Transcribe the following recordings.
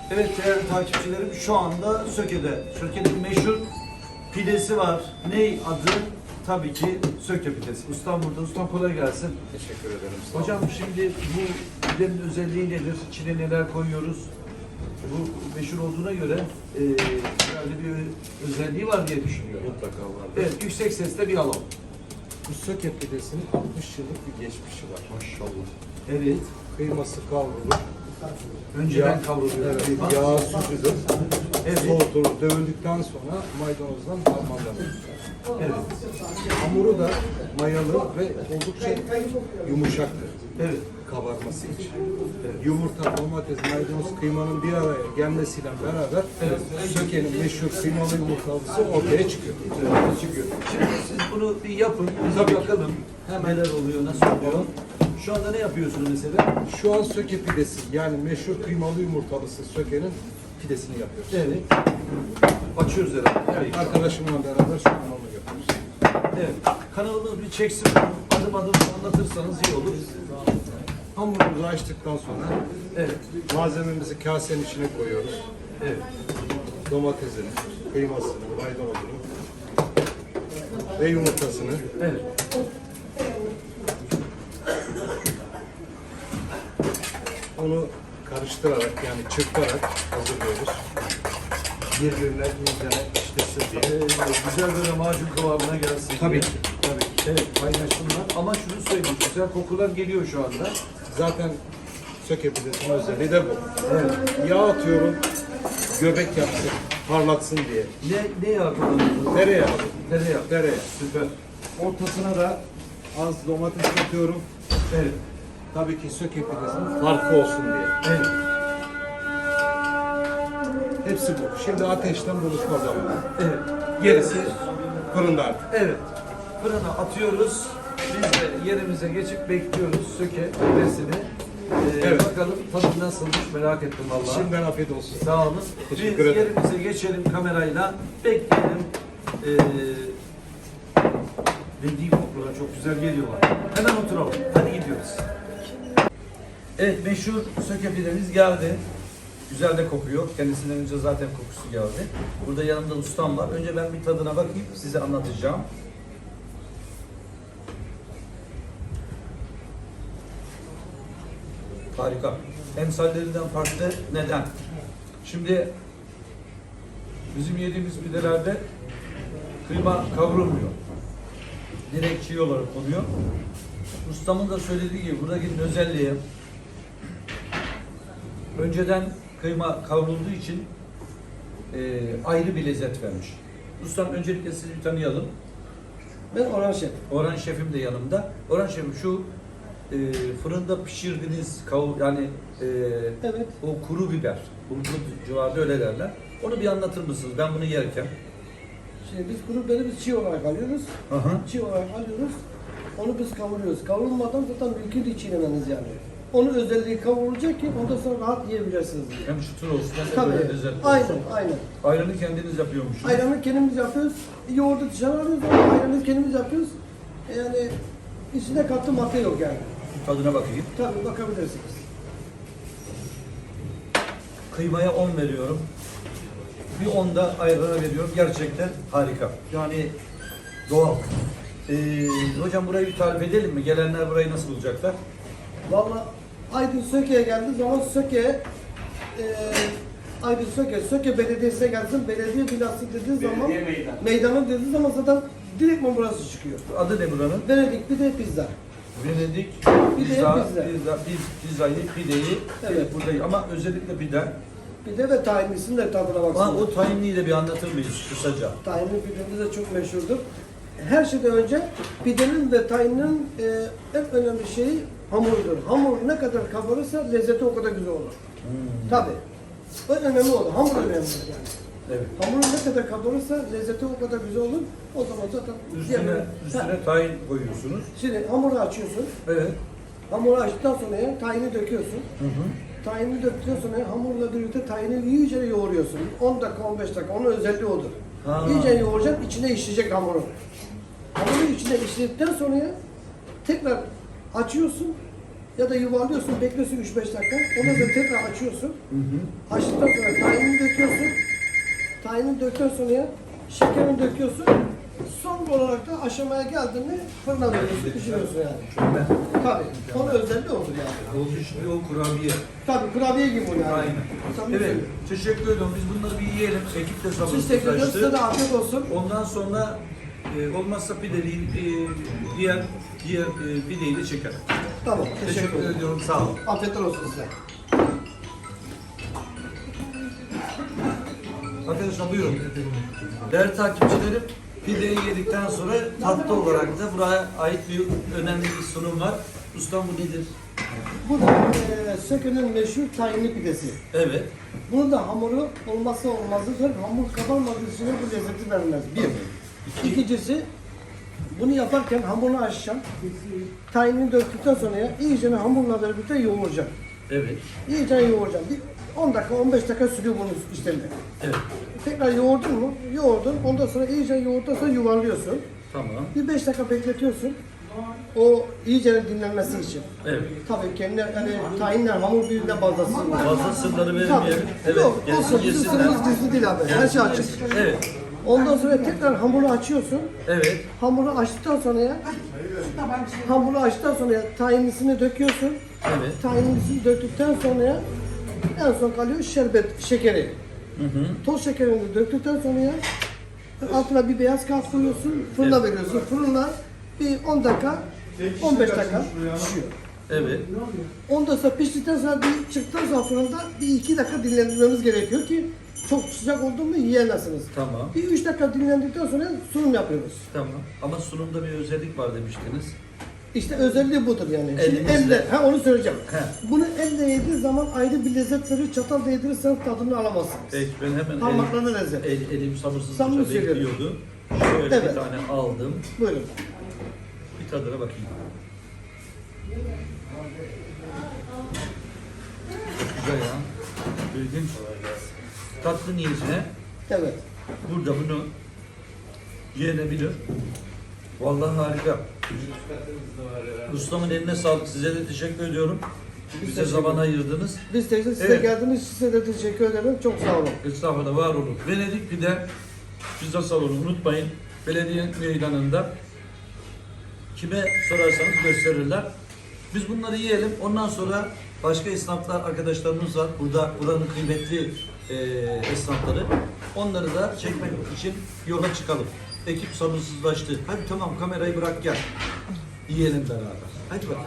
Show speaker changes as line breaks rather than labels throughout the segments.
Evet değerli takipçilerim, şu anda Söke'de. Söke'nin meşhur pidesi var. Ney adı? Tabii ki Söke pidesi. Ustam burada. Ustam kolay gelsin.
Teşekkür ederim.
Hocam şimdi bu pidenin özelliği nedir? İçine neler koyuyoruz? Bu meşhur olduğuna göre herhalde bir özelliği var diye düşünüyorum.
Mutlaka var.
Evet, yüksek sesle bir alalım.
Bu Söke pidesinin 60 yıllık bir geçmişi var.
Maşallah. Evet.
Kıyması kavrulur.
Önceden kavruluyor.
Evet,
kıyma.
yağ süzülür.
Evet.
Soğutulur. Dövüldükten sonra maydanozdan harmanlanır.
Evet.
Hamuru da mayalı ve oldukça yumuşaktır.
Evet.
Kabarması için. Yumurta, domates, maydanoz, kıymanın bir araya gelmesiyle beraber Söke'nin meşhur kıymalı yumurtalısı ortaya çıkıyor.
Çıkıyor. Şimdi siz bunu bir yapın, biz bir bakalım neler oluyor, nasıl oluyor. Şu anda ne yapıyorsunuz mesela?
Şu an Söke pidesi, yani meşhur kıymalı yumurtalısı Söke'nin pidesini yapıyoruz.
Evet. Açıyoruz herhalde. Evet.
Arkadaşımla beraber şu an onu yapıyoruz.
Evet. Kanalımız bir çeksin, adım adım anlatırsanız iyi olur.
Hamurumuzu açtıktan sonra
Evet.
malzememizi kasenin içine koyuyoruz.
Evet.
Domatesini, kıymasını, maydanozunu ve yumurtasını.
Evet.
Onu karıştırarak, yani çırparak hazırlıyoruz. Birbirine iyicene işlesin diye.
Güzel böyle macun kıvamına gelsin.
Tabii
diye.
ki.
Tabii ki. Evet, paylaşımlar. Ama şunu söyleyeyim, güzel kokular geliyor şu anda.
Zaten Söke pidesinin özelliği de bu.
Evet.
Yağ atıyorum, göbek yapsın, parlatsın diye.
Ne yağ kullanıyorsunuz?
Tereyağı.
Tereyağı.
Tereyağı.
Süper.
Ortasına da az domates atıyorum.
Evet.
Tabii ki Söke pidesinin farkı olsun diye.
Evet.
Hepsi bu. Şimdi ateşten buluşma zamanı.
Evet.
Gerisi fırında artık.
Evet. Fırına atıyoruz. Biz de yerimize geçip bekliyoruz Söke pidesini.
Evet.
Bakalım tadı nasılmış merak ettim vallahi.
Şimdiden afiyet olsun.
Sağ olun.
Teşekkür
Biz
ederim.
yerimize geçelim kamerayla. Bekleyelim. Dediğim kokular çok güzel geliyorlar. Hemen oturalım. Hadi gidiyoruz. Evet, meşhur Söke pidemiz geldi. Güzel de kokuyor. Kendisinden önce zaten kokusu geldi. Burada yanımda ustam var. Önce ben bir tadına bakayım, size anlatacağım. Harika. Emsallerinden farklı. Neden? Şimdi bizim yediğimiz pidelerde kıyma kavrulmuyor. Direkt çiğ olarak konuyor. Ustamın da söylediği gibi buradaki özelliği önceden kıyma kavrulduğu için ayrı bir lezzet vermiş. Ustam öncelikle sizi bir tanıyalım.
Ben Orhan Şef.
Orhan Şef'im de yanımda. Orhan Şef'im şu fırında pişirdiğiniz yani
Evet.
o kuru biber, bulgur civarında öyle derler. Onu bir anlatır mısınız? Ben bunu yerken.
Şimdi biz kuru biberi biz çiğ olarak alıyoruz.
Aha.
Çiğ olarak alıyoruz. Onu biz kavuruyoruz. Kavrulmadan zaten mümkün değil çiğnemeniz yani. Onun özelliği kavrulacak ki ondan sonra rahat yiyebilirsiniz.
Hem çıtır olsun hem de
Tabii.
böyle lezzetli
Aynen,
olsun.
aynen.
Ayranı kendiniz yapıyormuşsunuz.
Ayranı kendimiz yapıyoruz. Yoğurdu dışarı alıyoruz ama ayranı kendimiz yapıyoruz. Yani içinde katkı madde yok yani.
Tadına bakayım.
Tabii bakabilirsiniz.
Kıymaya 10 veriyorum. Bir 10 da ayrana veriyorum. Gerçekten harika. Yani doğal. Hocam burayı bir tarif edelim mi? Gelenler burayı nasıl bulacaklar?
Vallahi Aydın Söke'ye geldiği zaman Aydın Söke Belediyesi'ne gelsin, belediye binası dediği zaman, meydanı dediği zaman zaten direktman burası çıkıyor.
Adı ne buranın?
Venedik bir de pizza.
Venedik
Pizza.
pizzayı, pideyi
Evet.
burada ama özellikle pide.
Bir de ve tahinlisinin de tadına
Ama
baksın.
o tahinliyi de bir anlatır mıyız kısaca?
Tahinli pidemiz de çok meşhurdur. Her şeyden önce pidenin ve tahinin en önemli şeyi hamurudur. Hamur ne kadar kabarırsa lezzeti o kadar güzel olur. Tabii. O önemli olur. Hamur önemli yani.
Evet.
Hamuru ne kadar kabarırsa lezzeti o kadar güzel olur. O zaman zaten
Üstüne tahin koyuyorsunuz.
Şimdi hamuru açıyorsun.
Evet.
Hamuru açtıktan sonra tahini döküyorsun.
Hı hı.
Tahini döktükten sonra hamurla birlikte tahini iyice yoğuruyorsun. 10 dakika 15 dakika. Onun özelliği odur.
Ha.
İyice yoğuracaksın, içine işleyecek hamuru. Hamuru içine işledikten sonra tekrar açıyorsun. Ya da yuvarlıyorsun, bekliyorsun 3-5 dakika. Ondan sonra tekrar açıyorsun. Açtıktan sonra tahinini döküyorsun. Tahinini döktükten sonra şekerini döküyorsun. Son olarak da aşamaya geldiğinde fırına veriyorsun, pişiriyorsun yani. Tabii. Onun özelliği odur yani.
Oldu şimdi o kurabiye.
Tabii kurabiye gibi o yani.
Aynen.
Tabii
Evet,
söylüyorum.
teşekkür ediyorum. Biz bunları bir yiyelim. Ekip de
Siz teşekkür ederim. Size de
sabırsızlaştı.
afiyet olsun.
Ondan sonra olmazsa pideliği, diğer pideyi de çekelim.
Tamam. Teşekkür
Teşekkür
ederim.
ediyorum. Sağ olun.
Afiyetler olsun size.
Arkadaşlar buyurun. Değerli takipçilerim, pideyi yedikten sonra tatlı olarak da buraya ait bir önemli bir sunum var. Ustam bu nedir?
Bu da Söke'nin meşhur tahinli pidesi.
Evet.
Bunun da hamuru olmazsa olmazıdır. Hamur kabarmadığı sürece bu lezzeti vermez. Bir. İkincisi, bunu yaparken hamurunu açacağım. Tahinini döktükten sonra iyice hamurla birlikte yoğuracağım.
Evet.
İyice yoğuracağım. Bir 10 dakika, 15 dakika sürüyor bunun işlemi.
Evet.
Tekrar yoğurdun mu? Yoğurdun. Ondan sonra iyice yoğurduktan sonra yuvarlıyorsun.
Tamam.
Bir 5 dakika bekletiyorsun. O iyice dinlenmesi için.
Evet.
Tabii kendi hani tahinle hamur birbirine bazlasın.
Fazla sırları
Tabii.
vermeyelim. Evet.
Yok,
Gelsin
olsun. Bizim
yesinler.
sırrımız gizli değil abi. Her şey açık.
Evet.
Ondan sonra tekrar hamuru açıyorsun.
Evet.
Hamuru açtıktan sonra hamuru açtıktan sonra tahinlisini döküyorsun.
Evet.
Tahinlisini döktükten sonra en son kalıyor şerbet, şekeri. Toz şekerini döktükten sonra altına bir beyaz kağıt koyuyorsun, fırına veriyorsun. Fırına bir 10 dakika, 15 dakika pişiyor.
Evet.
Ondan sonra piştikten sonra bir çıktıktan sonra fırında bir 2 dakika dinlendirmemiz gerekiyor ki çok sıcak oldu mu yiyemezsiniz.
Tamam.
Bir 3 dakika dinlendikten sonra sunum yapıyoruz.
Tamam. Ama sunumda bir özellik var demiştiniz.
İşte özelliği budur yani. Şimdi
Elimizle.
elle, onu söyleyeceğim.
He.
Bunu elle yediği zaman ayrı bir lezzet verir, çatal değdirirseniz tadını alamazsınız.
Peki ben hemen
Parmaklarına lezzet.
elim sabırsızlıkla
Samimi söylüyorum.
bekliyordu. Şöyle
Evet.
bir tane aldım.
Buyurun.
Bir tadına bakayım. Çok güzel ya. İlginç. Tatlı niyetine
Evet.
burada bunu yenebilir. Vallahi harika. Ustamın eline sağlık. Size de teşekkür ediyorum. Bize
teşekkür
zaman ayırdınız.
Biz size
Evet.
geldiğiniz için size de teşekkür ederim. Çok sağ olun.
Estağfurullah, var olun. Venedik Pide Pizza Salonu, unutmayın. Belediye meydanında. Kime sorarsanız gösterirler. Biz bunları yiyelim. Ondan sonra başka esnaflar, arkadaşlarımız var. Buranın kıymetli esnafları. Onları da çekmek için yola çıkalım. Ekip sabırsızlaştı. Hadi tamam, kamerayı bırak gel. Yiyelim beraber. Hadi bakalım.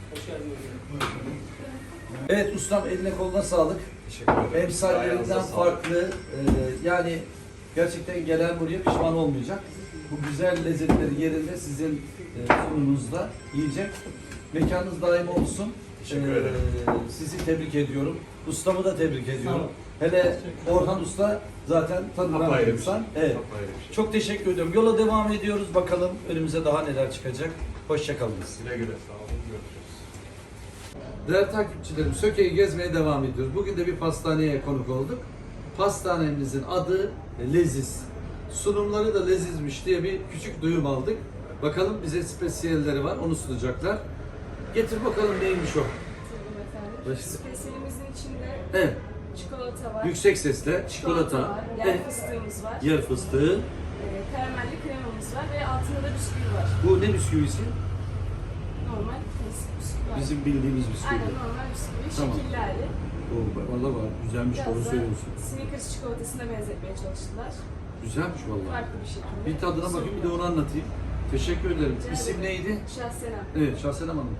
Evet ustam, eline koluna sağlık. Ev sahiplerinden farklı. Yani gerçekten gelen buraya pişman olmayacak. Bu güzel lezzetleri yerinde sizin sunumunuzda yiyecek. Mekanınız daim olsun.
Teşekkür ederim.
Sizi tebrik ediyorum. Ustamı da tebrik ediyorum. Hele Orhan Usta zaten tanınan bir
Apayrı bir
insan.
şey.
Evet.
Apayrı bir şey.
Çok teşekkür ediyorum. Yola devam ediyoruz. Bakalım önümüze daha neler çıkacak. Hoşçakalınız.
Güle güle, sağ olun, görüşürüz.
Değerli takipçilerim, Söke'yi gezmeye devam ediyoruz. Bugün de bir pastaneye konuk olduk. Pastanemizin adı Leziz. Sunumları da lezizmiş diye bir küçük duyum aldık. Bakalım bize spesiyelleri var, onu sunacaklar. Getir bakalım neymiş o.
Efendim, spesiyelimizin içinde
Evet,
çikolata var,
yüksek sesle çikolata,
var, yer
evet,
fıstığımız var,
yer fıstığı.
karamelli kremamız var ve altında da bisküvi var.
Bu ne bisküvisi?
Normal klasik bisküvi var.
Bizim bildiğimiz bisküvi.
Aynen normal bisküvi,
Tamam.
şekilli hali.
Valla var, güzelmiş,
Biraz
doğru
da
söylüyorsun.
Snickers çikolatasına benzetmeye çalıştılar.
Güzelmiş vallahi.
Farklı bir şekilde.
Bir tadına bakayım, bir de onu anlatayım. Teşekkür ederim.
Rica
İsim
ederim.
neydi?
Şahsenem.
Evet, Şahsenem Hanım.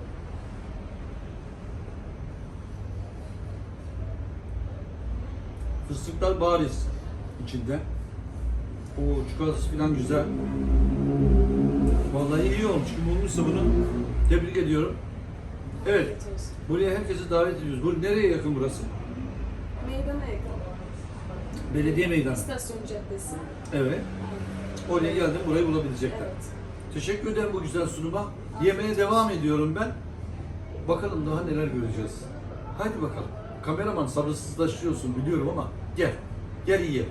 Fıstıklar bariz içinde. O çikolatası falan güzel. Vallahi iyi olmuş. Kim bulmuşsa bunu tebrik ediyorum. Evet,
Afiyet olsun.
buraya herkesi davet ediyoruz. Bu nereye yakın burası?
Meydana yakın.
Belediye meydanı.
İstasyon caddesi.
Evet. Oraya geldim, burayı bulabilecekler.
Evet.
Teşekkür ederim bu güzel sunuma. Yemeye devam ediyorum ben. Bakalım daha neler göreceğiz. Hadi bakalım. Kameraman sabırsızlaşıyorsun biliyorum ama gel. Gel yiyelim.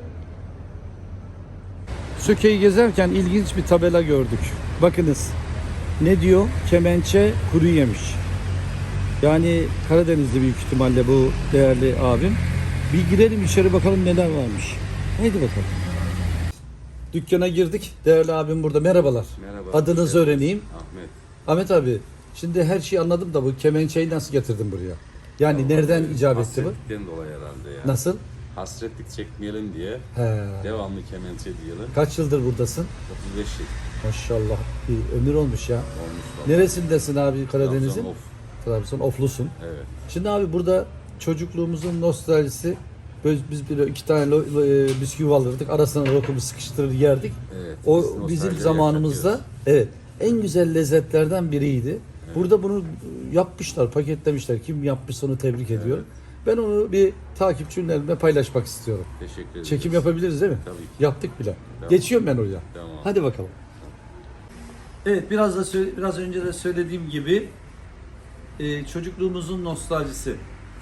Söke'yi gezerken ilginç bir tabela gördük. Bakınız. Ne diyor? Kemençe kuru yemiş. Yani Karadenizli büyük ihtimalle bu değerli abim. Bir girelim içeri bakalım neler varmış. Haydi bakalım. Dükkana girdik. Değerli abim burada. Merhabalar.
Merhaba.
Adınızı öğreneyim.
Ahmet.
Ahmet abi, şimdi her şeyi anladım da bu kemençeyi nasıl getirdin buraya? Yani nereden icap etti bu?
Hasretlikten dolayı herhalde ya.
Nasıl?
Hasretlik çekmeyelim diye
He.
devamlı kemençe diyelim.
Kaç yıldır buradasın?
35 yıl
Maşallah bir ömür olmuş ya.
olmuş.
Neresindesin abi Karadeniz'in?
Trabzon, Of.
Trabzon, Oflusun.
Evet.
Şimdi abi burada çocukluğumuzun nostaljisi. Biz böyle 2 tane bisküvi alırdık. Arasına lokumu sıkıştırır yerdik.
Evet.
O
biz nostaljiyi
bizim zamanımızda
yaşatıyoruz.
en güzel lezzetlerden biriydi. Burada bunu yapmışlar, paketlemişler. Kim yapmışsa onu tebrik ediyorum. Ben onu bir takipçilerimle paylaşmak istiyorum.
Teşekkür ederiz.
Çekim yapabiliriz değil mi?
Tabii ki.
Yaptık bile.
Tamam.
Geçiyorum ben oraya.
Tamam.
Hadi bakalım. Evet, biraz önce de söylediğim gibi çocukluğumuzun nostaljisi.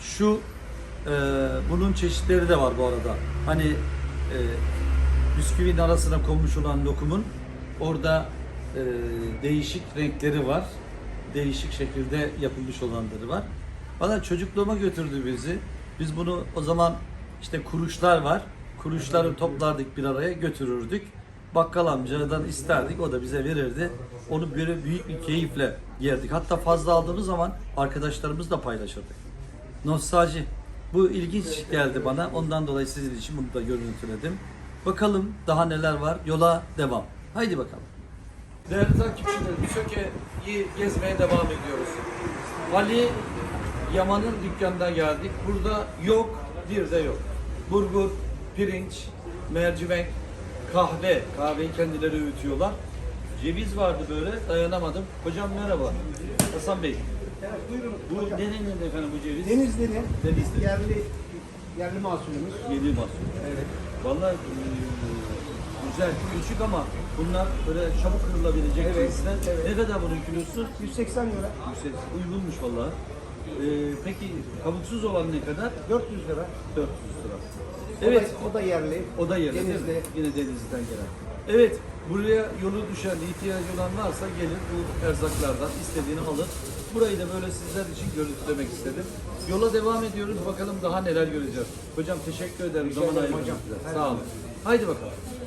Bunun çeşitleri de var bu arada. Hani bisküvinin arasına konmuş olan lokumun orada değişik renkleri var. Değişik şekilde yapılmış olanları var. Bana çocukluğuma götürdü bizi. Biz bunu o zaman işte kuruşlar var. Kuruşları toplardık bir araya götürürdük. Bakkal amcadan isterdik, o da bize verirdi. Onu böyle büyük bir keyifle yerdik. Hatta fazla aldığımız zaman arkadaşlarımızla paylaşırdık. Nostalji. Bu ilginç geldi bana. Ondan dolayı sizin için bunu da görüntüledim. Bakalım daha neler var. Yola devam. Haydi bakalım. Değerli takipçilerim, Söke'yi gezmeye devam ediyoruz. Ali Yaman'ın dükkanına geldik. Burada yok, bir de yok. Bulgur, pirinç, mercimek, kahve. Kahveyi kendileri öğütüyorlar. Ceviz vardı böyle, dayanamadım. Hocam merhaba. Hasan Bey.
Buyurun.
Bu nerenin efendim bu ceviz?
Denizli'nin
Denizli.
yerli mahsulümüz.
Yedi mahsul.
Evet.
Vallahi güzel, küçük ama bunlar böyle çabuk kırılabilecek
Evet,
cinsten.
evet.
Ne kadar bunun kilosu?
180 lira.
Yüksek, uygunmuş vallahi. Peki kabuksuz olan ne kadar?
400 lira.
400 lira. Evet,
O da yerli.
o da yerli değil mi?
Denizli.
Yine Denizli'den gelen. Evet, buraya yolu düşen, ihtiyacı olan varsa gelir bu erzaklardan istediğini alır. Burayı da böyle sizler için görüntülemek istedim. Yola devam ediyoruz. Bakalım daha neler göreceğiz. Hocam teşekkür ederim. Zaman
ederim
ayırdınız
hocam.
bize.
Her
Sağ olun.
zaman.
Haydi bakalım.